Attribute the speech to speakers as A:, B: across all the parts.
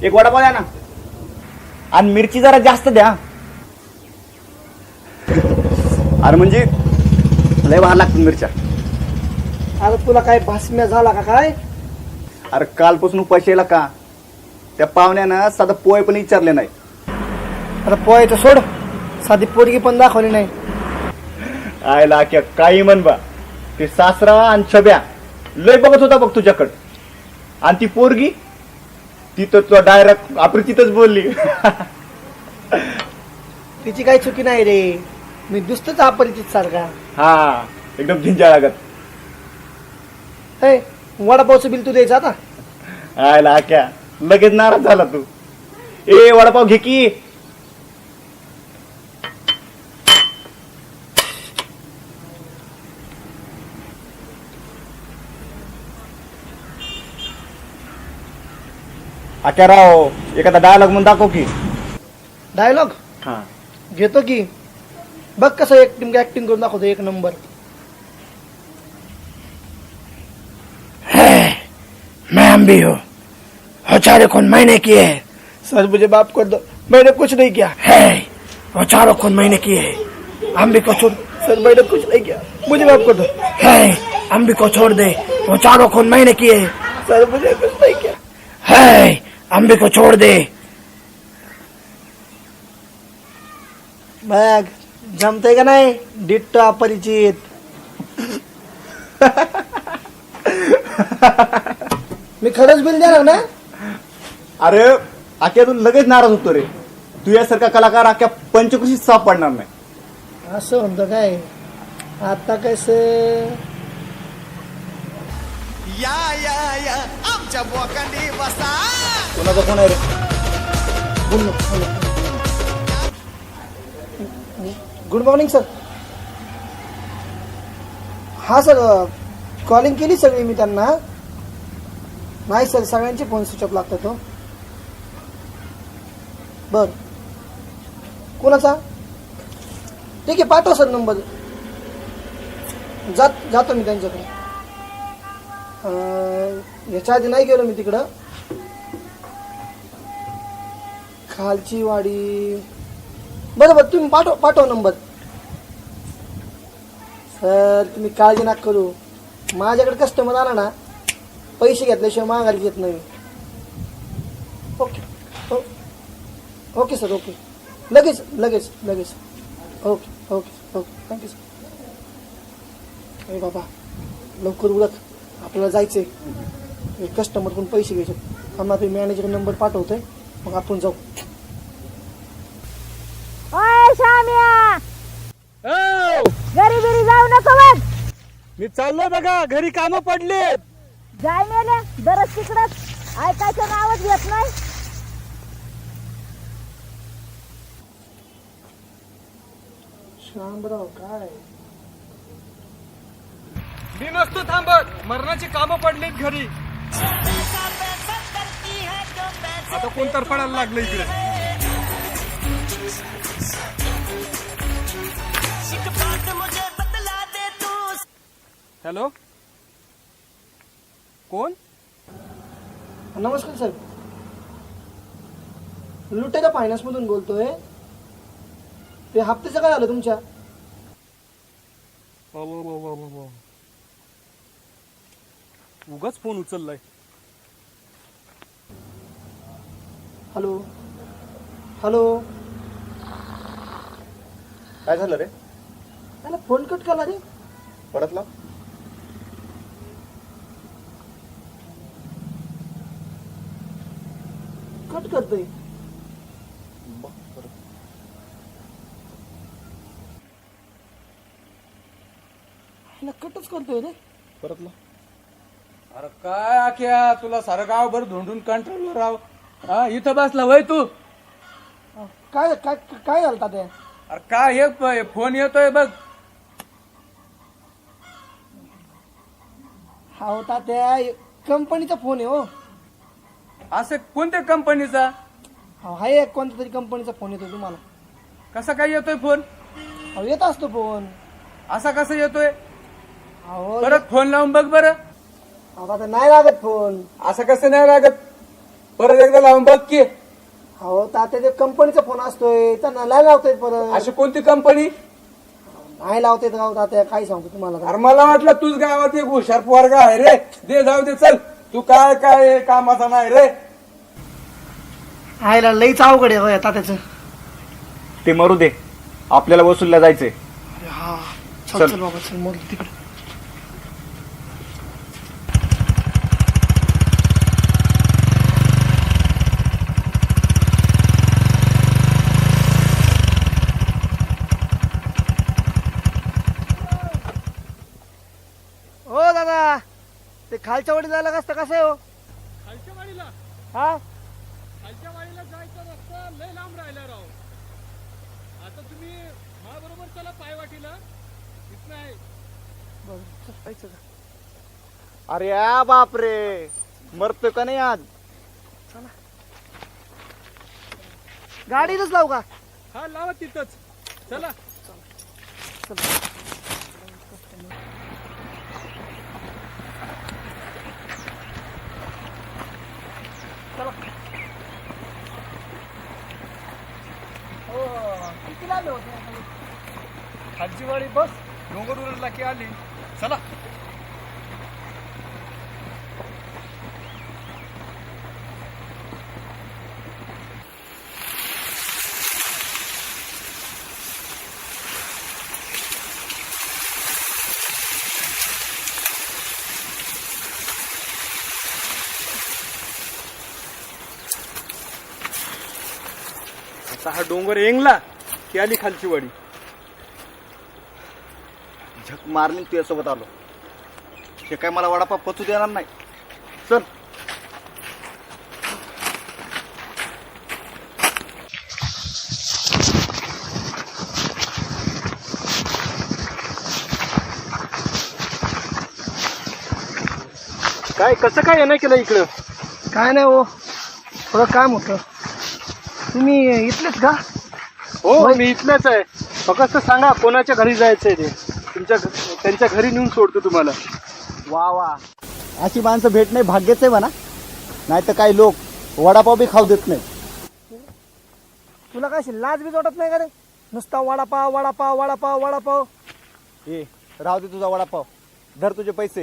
A: एक वडापाव द्या ना, आणि मिरची जरा जास्त द्या. अरे म्हणजे लय वाढ लागतात मिरच्या.
B: अरे तुला काय भासम्या झाला का काय?
A: अरे कालपासून उपाशी यायला का? त्या पाहुण्यानं साधं पोय पण विचारले नाही.
B: आता पोहायचं सोड, साधी पोरगी पण दाखवली नाही.
A: आयला क्या काही म्हण बा, ते सासरा आणि छब्या लय बघत होता बघ तुझ्याकडं, आणि ती पोरगी ती तर तुला डायरेक्ट अपरिचितच बोलली.
B: तिची काही चुकी नाही रे, मी दुसतच अपरिचित सारखा.
A: हा एकदम झिंजा लागत.
B: हे वडापावचं बिल तू द्यायचं आता.
A: आयला क्या लगेच नाराज झाला तू. ए वडापाव घे की. आक्या राव एखादा डायलॉग म्हणून दाखव की.
B: डायलॉग
A: हा
B: घेतो की. बघ कसं ऍक्टिंग करून दाखवतो एक नंबर.
C: मैं हम भी हूँ, और 4 खून मैंने किए हैं.
B: सर मुझे माफ कर दो, मैंने कुछ नहीं किया.
C: है वो 4 खून मैंने किए हैं. अम्बी को छोड़.
B: सर मैंने कुछ नहीं किया, मुझे माफ कर दो.
C: है अम्बी को छोड़ दे, वो 4 खून मैंने किए हैं.
B: सर मुझे कुछ नहीं किया.
C: है अम्बी को छोड़ दे.
B: बघ जमतंय का नाही डिट्टो अपरिचित. मी खरंच बिल देणार ना.
A: अरे आक्या तू लगेच नाराज होतो रे. तू यासारखा कलाकार आक्या पंचकृषीत साप पडणार नाही.
B: असं म्हणतो काय? आता कसं
D: या या या आमच्या बोकांडी बसा.
A: कोणाचा कोण आहे रे?
B: Good morning sir. हा सर, कॉलिंग केली सगळी मी त्यांना. नाही सर, सगळ्यांचे फोन स्विच ऑफ लागतात. हो बर, कोणाचा? ठीक आहे पाठवा सर नंबर. जातो मी त्यांच्याकडे. याच्या आधी नाही गेलो मी तिकडं. खालची वाडी. बरोबर, तुम्ही पाठवा नंबर. सर तुम्ही काळजी नका करू. माझ्याकडे कस्टमर आला ना, पैसे घेतल्याशिवाय मागायला घेत नाही. Okay okay sir, okay. लगेच लगेच लगेच. Okay okay okay, thank you sir. अरे बाबा लवकर उरक, आपल्याला जायचंय. कस्टमर पण पैसे घ्यायचे. आम्हाला ते मॅनेजर नंबर पाठवतोय, मग आपण जाऊ.
E: ओय शाम्या, घरी बिरी जाऊ नको बघ.
B: मी चाललोय बघा, घरी कामं पडलेत.
E: जाय मेले दरच तिकडच, ऐकायचं नावच घेत नाही.
B: शामराव काय
F: मी नसतो थांबत, मरणाची कामं पडलीत घरी. आता कोण तरफडायला लागलं इकडे. हॅलो, कोण?
B: नमस्कार सर, लुटेच्या फायनान्स मधून बोलतोय. ते हप्त्याचं काय झालं तुमच्या?
F: उगाच फोन उचललाय.
B: हॅलो हॅलो,
A: काय झालं रे?
B: त्याला फोन कट केला रे.
A: परत लाव.
B: कट करतोय. कटच करतोय रे.
A: परत लाव.
F: अरे काय आख्या, तुला सारं गावभर धुंडून कंट्रोलवर राव. हा इथं बसला वय तू.
B: काय काय काय झालं तात्या?
F: अरे काय हे फोन येतोय बघ.
B: हा होता त्या कंपनीचा फोन आहे. हो
F: असं कोणत्या कंपनीचा?
B: हा एक कोणत्या तरी कंपनीचा फोन येतो तुम्हाला.
F: कसा काय येतोय फोन?
B: अहो येत असतो फोन.
F: असा कसा येतोय?
B: अहो
F: परत फोन लावून बघ बरं.
B: आता नाही लागत फोन.
F: असं कसं नाही लागत? परत एकदा लावून बघ की.
B: हो तात्या ते कंपनीचा फोन असतोय त्यांना नाही लावता येत परत.
F: अशी कोणती कंपनी?
B: नाही लावता येत गाव तात्या, काय सांगतो तुम्हाला.
F: अरे मला वाटलं तूच गावात एक हुशार पोरगा आहे रे. दे जाऊ दे चल. तू काय काय कामाचा नाही रे.
B: आयला लईच अवघड आहे होय तात्याचं.
A: ते मरू दे, आपल्याला वसूलला जायचंय.
B: हा चल
A: चल.
B: चल बाबा चल मोर तिकडे. हो दादा, ते खालच्या वाडी जायला कसं आहे हो?
G: खालच्या वाडीला
B: हा
G: खालच्या वाडीला जायचा रस्ता लय लांब राहिला राव. आता तुम्ही बरोबर चला पायवाटीला, इथं आहे.
B: बरं, चल, जायचं का?
A: अरे या बापरे, मरतोय का नाही आज?
B: गाडीतच लावू का?
G: हा लावा तिथंच, चला.
B: किती लांब होते?
G: खालची वाडी बस डोंगर उरला की आली. चला. आता हा डोंगर येंगला की आली खालची वाडी.
A: झक मारली तुझ्यासोबत आलो. हे काय मला वडापाव पचू देणार नाही. चल.
G: काय कसं काय नाही केलं इकडं?
B: काय नाही हो, थोडं काम होतं. तुम्ही इथलेच का?
G: हो मी इथलंच आहे. फक्त सांगा कोणाच्या घरी जायचंय ते, त्यांच्या घरी नेऊन सोडतो तुम्हाला.
A: वा वा, अशी माणसं भेटणे भाग्यच आहे म्हणा. नाही तर काही लोक वडापाव बी खाऊ देत नाही.
B: तुला काय लाज बीज वाटत नाही का रे? नुसता वडापाव वडापाव वडापाव वडापाव.
A: ए राहू दे तुझा वडापाव, धर तुझे पैसे.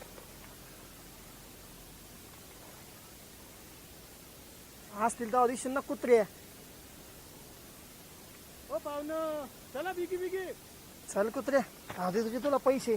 B: असतील तर दिवशी ना कुत्रे.
G: हो पाहुणं, चला बिगी बिगी.
B: चल कुत्रे, आधी तुझे तुला पैसे.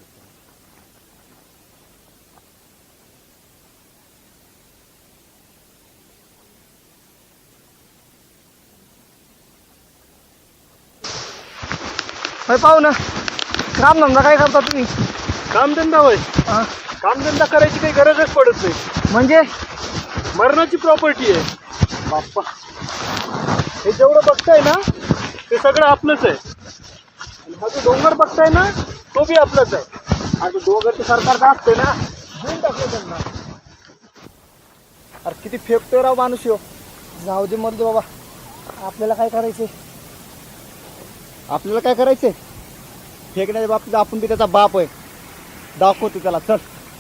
B: पाहू ना, काम धंदा काय करता तुम्ही?
G: कामधंदा होय?
B: हा,
G: कामधंदा करायची काही गरजच पडत नाही.
B: म्हणजे
G: मरणाची प्रॉपर्टी आहे बाप्पा. हे जेवढं बघताय ना ते सगळं आपलंच आहे. आणि हा जो डोंगर बघताय ना तो बी आपलाच आहे. हा जो डोंगर ते सरकारचा असतोय ना, देऊन टाकलं त्यांना.
A: अरे किती फेकतोय राव माणूस यो.
B: जाऊ दे मरू दे बाबा, आपल्याला काय करायचंय?
A: आपल्याला काय करायचंय? फेकण्याच्या बाबतीत आपण बी त्याचा बाप आहे. दाखवतो त्याला. चल.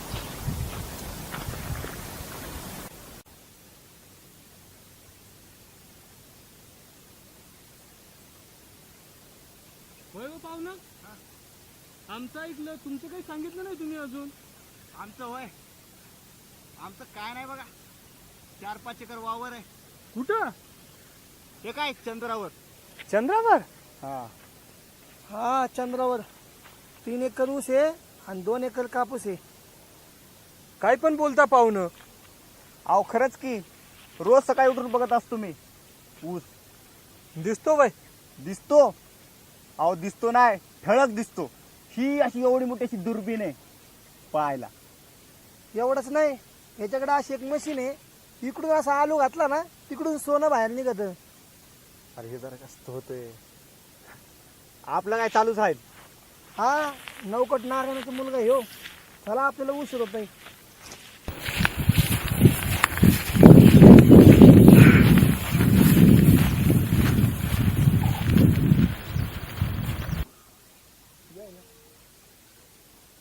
G: होय हो पाहुणं, आमचं ऐकलं, तुमचं काही सांगितलं नाही तुम्ही अजून.
A: आमचं होय, आमचं काय नाही बघा. 4-5 एकर वावर आहे.
G: कुठं?
A: हे काय चंद्रावर.
G: चंद्रावर?
A: हा,
B: हा चंद्रावर 3 एकर ऊस आहे आणि 2 एकर कापूस आहे.
G: काय पण बोलता पाहुणं.
A: अहो खरंच की, रोज सकाळी उठून बघत असतो मी ऊस.
G: दिसतो बाय?
A: दिसतो. अहो दिसतो नाही, ठळक दिसतो. ही अशी एवढी मोठी अशी दुर्बीण आहे पाहायला.
B: एवढंच नाही, याच्याकडे अशी एक मशीन आहे, इकडून असा आलू घातला ना तिकडून सोनं बाहेर निघत.
A: अरे हे जरा जास्त होतंय. आपलं काय चालूच आहे.
B: हा नौकट नारायणाचा मुलगा ह्यो. चला आपल्याला उशीर होत नाही.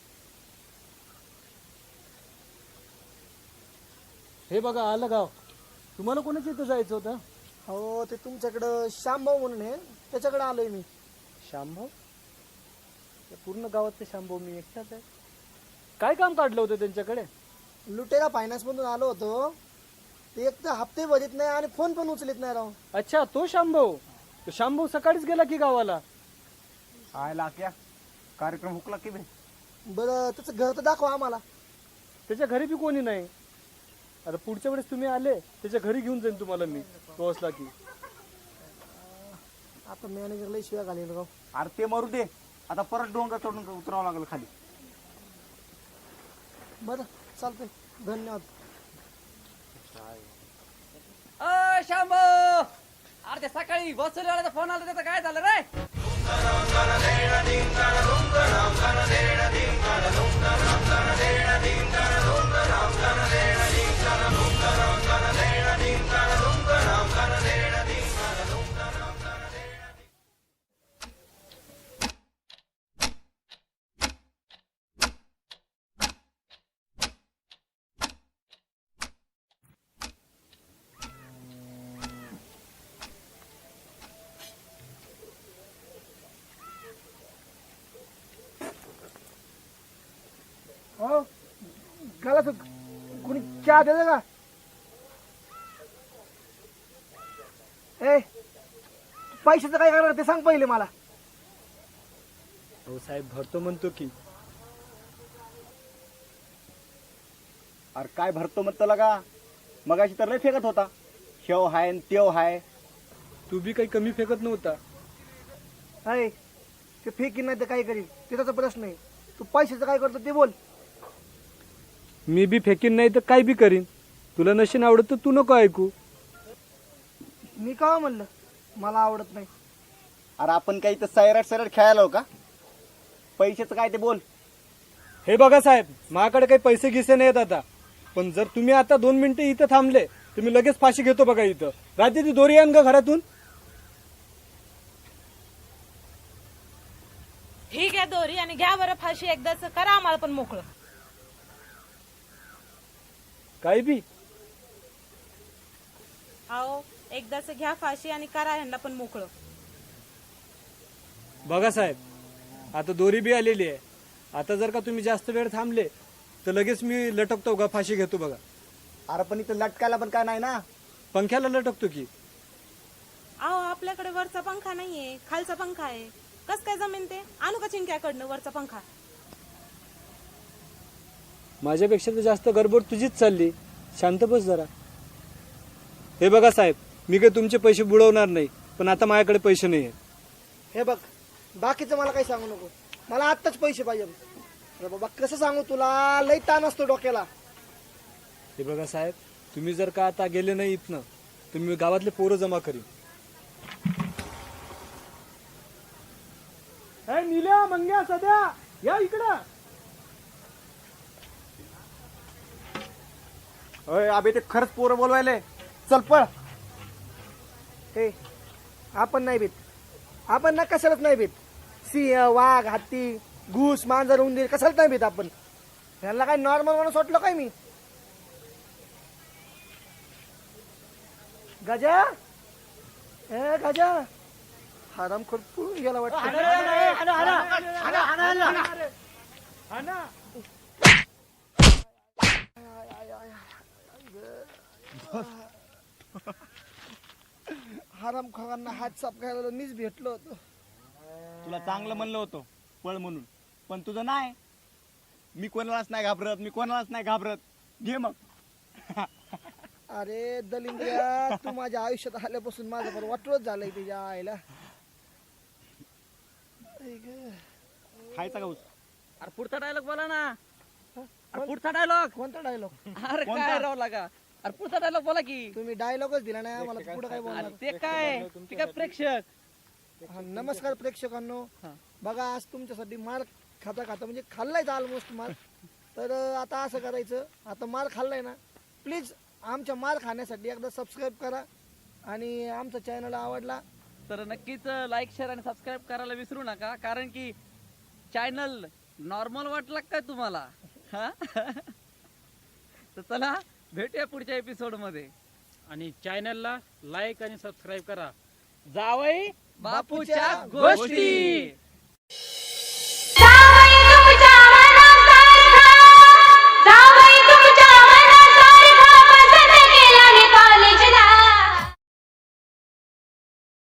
G: हे बघा आलं गाव. तुम्हाला कोणाच्या इथं जायचं होतं?
B: हो ते तुमच्याकडं श्यामभाऊ म्हणून आहे, त्याच्याकडे आलोय मी.
G: शांभाऊ? त्या पूर्ण गावातले शांभाऊ मी एकटाच आहे. काय काम काढलं होतं त्यांच्याकडे?
B: लुटेरा फायनान्स मधून आलो होतो. ते एक तर हप्ते भरीत नाही आणि फोन पण उचलत नाही राव.
G: अच्छा, तो शांभाऊ. तो शांभाऊ सकाळीच गेला की गावाला?
A: आय लाक्या कार्यक्रम हुकला की बे.
B: बरं त्याचं घर तर दाखवा आम्हाला.
G: त्याच्या घरी बी कोणी नाही. आता पुढच्या वेळेस तुम्ही आले त्याच्या घरी घेऊन जाईन तुम्हाला मी, तो असला की.
B: आता मॅनेजरला शिव्या घालेल राव.
A: अरे ते मरू दे, आता परत डोंगर चढून उतरावं लागलं खाली.
B: बरं चालतंय, धन्यवाद.
F: शांभो, अरे ते सकाळी वसुलीवाल्याचा फोन आला, त्याचं काय झालं रे?
B: हो गाला तर कोणी चहा देतं का? ए पैशाचं काय करणार ते सांग पहिले मला.
G: हो साहेब, भरतो म्हणतो की.
A: अरे काय भरतो म्हणतो लगा, मगाशी तर लय फेकत होता. शेव हाय न तेव हाय.
G: तू बी काही कमी फेकत नव्हता.
B: आहे ते फेकीन नाही तर काय करील ते त्याचा प्रश्न आहे. तू पैशाचं काय करतो ते बोल.
G: मी बी फेकीन नाही तर काय बी करीन. तुला नशीन आवडत तर तू नको ऐकू.
B: मी का म्हणलं मला आवडत नाही?
A: अरे आपण काही तर सैराट खेळायला हो का? पैशाचं काय ते बोल.
G: हे बघा साहेब, माझ्याकडे काही पैसे गिसे नाहीत आता. पण जर तुम्ही आता 2 मिनिटं इथं थांबले तर मी लगेच फाशी घेतो बघा इथं. रात्री ती दोरी आण ग घरातून.
E: ठीक आहे दोरी, आणि घ्या बरं फाशी एकदाच, करा आम्हाला पण मोकळं.
G: काय बी
E: आओ एकदाच घ्या फाशी आणि करा ह्यांना पण मोकळं.
G: बघा साहेब, आता दोरी बी आलेली आहे. आता जर का तुम्ही जास्त वेळ थांबले तर लगेच मी लटकतो का फाशी घेतो बघा.
A: अरे पण इथं लटकायला पण काय नाही ना.
G: पंख्याला लटकतो की.
E: आओ आपल्याकडे वरचा पंखा नाहीये, खालचा पंखा आहे. कस काय जमीन ते? आणू का चिंक्याकडनं वरचा पंखा?
G: माझ्यापेक्षा तर जास्त गडबड तुझीच चालली. शांत बस जरा. हे बघा साहेब, मी काही तुमचे पैसे बुडवणार नाही, पण आता माझ्याकडे पैसे नाही आहेत.
B: हे बघ बाकीचं मला काही सांगू नको, मला आत्ताच पैसे पाहिजे. अरे बाबा कसं सांगू तुला, लई ताण असतो डोक्याला.
G: हे बघा साहेब, तुम्ही जर का आता गेले नाही इथनं तर मी गावातले पोरं जमा करीन. नील्या, मंग्या, सध्या या इकडं.
A: अय अबे ते खरंच पोरं बोलवायले. चल पळ.
B: हे आपण नाही भीत, आपण ना कशालाच नाही भीत. सिंह, वाघ, हत्ती, घूस, मांजर, उंदीर कशालाच नाही भीत आपण. ह्याला काय नॉर्मल माणूस वाटलं काय मी? गजा, ए गजा, हराम खरपूर गेला वाटतं. हराम खोरांना हात साफ करायला मीच भेटलो होतो.
A: तुला चांगलं म्हणलं होतं पळ म्हणून, पण तुझं नाही. मी कोणालाच नाही घाबरत, मी कोणालाच नाही घाबरत. घे मग.
B: अरे दलिंद्रिया, तू माझ्या आयुष्यात आल्यापासून माझं पण वाटलंच झालंय तुझ्या आईला.
A: खायचा का ऊस?
F: अरे पुढचा डायलॉग बोला ना. अरे पुढचा डायलॉग.
B: कोणता डायलॉग?
F: अरे काय राव लागा. अरे पुढचा डायलॉग बोला की.
B: तुम्ही डायलॉगच दिला नाही मला, पुढे काय बोलणार?
F: अरे ते काय प्रेक्षक.
B: हा, नमस्कार प्रेक्षकांनो. बघा आज तुमच्यासाठी मार खाता खाता म्हणजे खाल्लायच ऑलमोस्ट मार. तर आता असं करायचं, आता मार खाल्लाय ना, प्लीज आमच्या मार खाण्यासाठी एकदा सबस्क्राईब करा. आणि आमचा चॅनल आवडला
F: तर नक्कीच लाईक, शेअर आणि सबस्क्राईब करायला विसरू नका, कारण की चॅनल नॉर्मल वाटला काय तुम्हाला? हा तर चला भेटूया पुढच्या एपिसोड मध्ये.
H: आणि चॅनलला लाईक आणि सबस्क्राईब करा. जावई
F: बापूच्या गोष्टी.